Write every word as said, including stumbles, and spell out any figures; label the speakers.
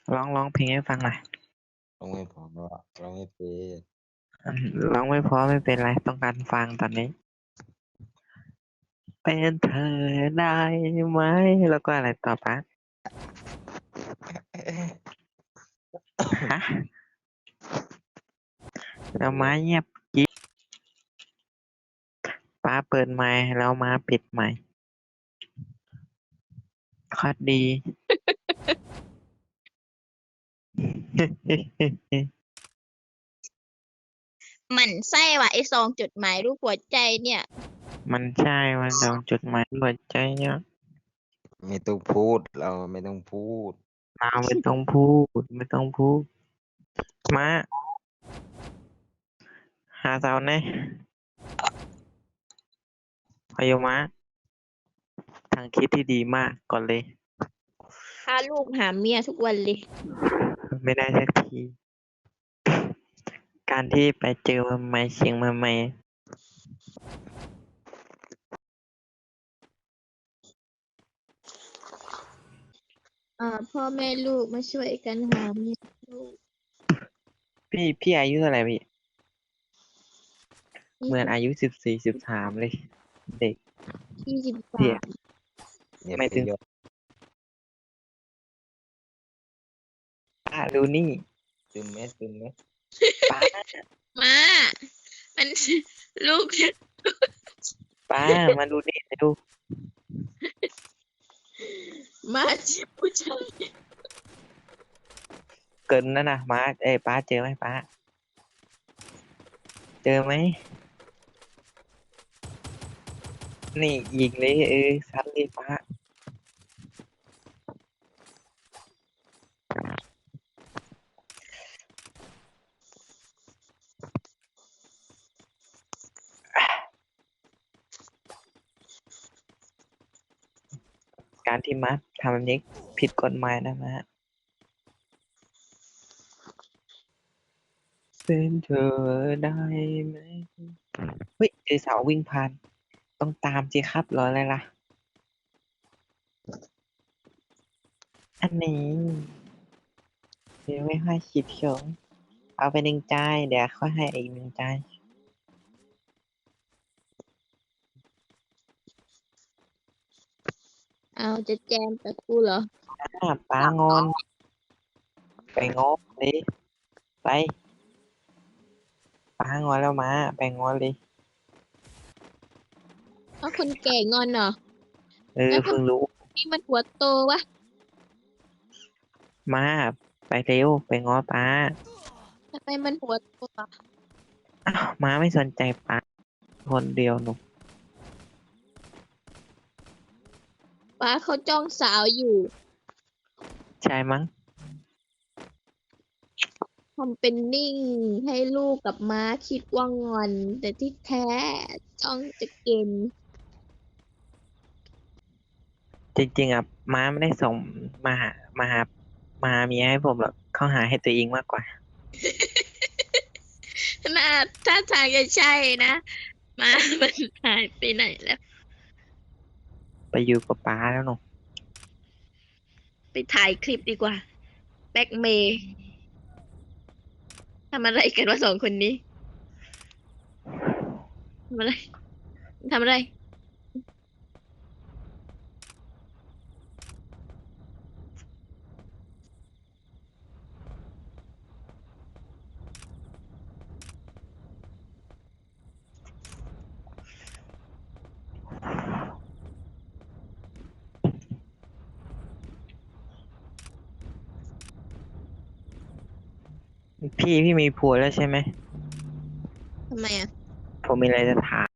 Speaker 1: ร้องร้องเพลงให้ฟังหน่อย
Speaker 2: ร้องไม่พอร้องไม่เป็น
Speaker 1: อืมร้องไม่เพราะไม่เป็นไรต้องการฟังตอนนี้ เป็นเธอได้ไหมแล้วก็อะไรต่อปะฮะแล้วม้าเงียบกิ๊บป้าเปิดไมค์แล้วม้าปิดไมค์คอดดี
Speaker 3: หมั่นไส้ว่ะไอซองจดหมายรูปหัวใจเนี่ย
Speaker 1: มันใช่มันดองจดหมายหัวใจเนี่ย
Speaker 2: ไม่ต้องพูดเราไม่ต้องพูด
Speaker 1: เราไม่ต้องพูดไม่ต้องพูดม้าหาสาวแน่พายุม้าทางคิดที่ดีมากก่อนเลย
Speaker 3: พาลูกหาเมียทุกวันเลย
Speaker 1: ไม่ได้สักที การที่ไปเจอมาใหม่เชียงมาใหม่
Speaker 3: อ่าพ่อแม่ลูกมาช่วยกันหาเมียลูก
Speaker 1: พี่พี่อายุเท่าไหร่พี่
Speaker 3: ยี่
Speaker 1: เหมือน
Speaker 3: สิบ
Speaker 1: อายุสิบสี่สิบสามเลย เด็ก
Speaker 3: ยี่สิบ
Speaker 1: พี่
Speaker 3: สาม
Speaker 2: เนี่ย
Speaker 1: ไม่
Speaker 2: ไป
Speaker 1: ถึง
Speaker 2: ยก
Speaker 1: ป้าดูนี่
Speaker 2: ซึมไหมซึมไหม
Speaker 1: ป้า
Speaker 3: มามัน ลูก
Speaker 1: ป้ามาดูนี่มาดู
Speaker 3: มาจีบผู้ชาย
Speaker 1: เกินนั่นนะมาเอ้ยป้าเจอไหมป้า เจอไหมนี่ยิงเลยเออซัดเลยป้าการที่มัดทำแบบนี้ผิดกฎหมายนะมาเป็นเธอได้ไหมเฮ้ยเจอสาววิ่งผ่านต้องตามสิครับรออะไรล่ะ อันนี้เดี๋ยวไม่ให้คิดเขียวเอาไปหนึ่งใจายเดี๋ยวค่อยให้อีกหนึ่งใจาย
Speaker 3: เอาจะแจมแต่กูเหรอ
Speaker 1: อ่าป้างอน ไปงอเลยไปป้างอนแล้วมาไปงอนเลย
Speaker 3: เอาคนแก่งอนเหรอ
Speaker 1: เออ
Speaker 3: แล้วทำ
Speaker 1: เพิ่งรู้
Speaker 3: นี่มันหัวโตวะ
Speaker 1: มาไปเร็วไปงอป้า
Speaker 3: ทำไมมันหัวโตวะ
Speaker 1: อ้าวมาไม่สนใจป้าคนเดียวหนู
Speaker 3: ป้าเขาจ้องสาวอยู่
Speaker 1: ใช่มั้ง
Speaker 3: ทำเป็นนิ่งให้ลูกกับม้าคิดว่างอน แต่ที่แท้จ้องจะเกณฑ์
Speaker 1: จริงๆอ่ะม้าไม่ได้ส่งมาหามาหามาหาเมียให้ผมหรอกเขาหาให้ตัวเองมากกว่า
Speaker 3: น่าถ้าทางจะใช่นะม้ามันหายไปไหนแล้ว
Speaker 1: ไปอยู่กับป้าแล้วหนู
Speaker 3: ไปถ่ายคลิปดีกว่า แบ็กเมย์ทำอะไรกันวะสองคนนี้ทำอะไรทำอะไร
Speaker 1: พี่พี่มีผัวแล้วใช่ไหม
Speaker 3: ทำไมอ่ะ
Speaker 1: ผมมีอะไรจะถาม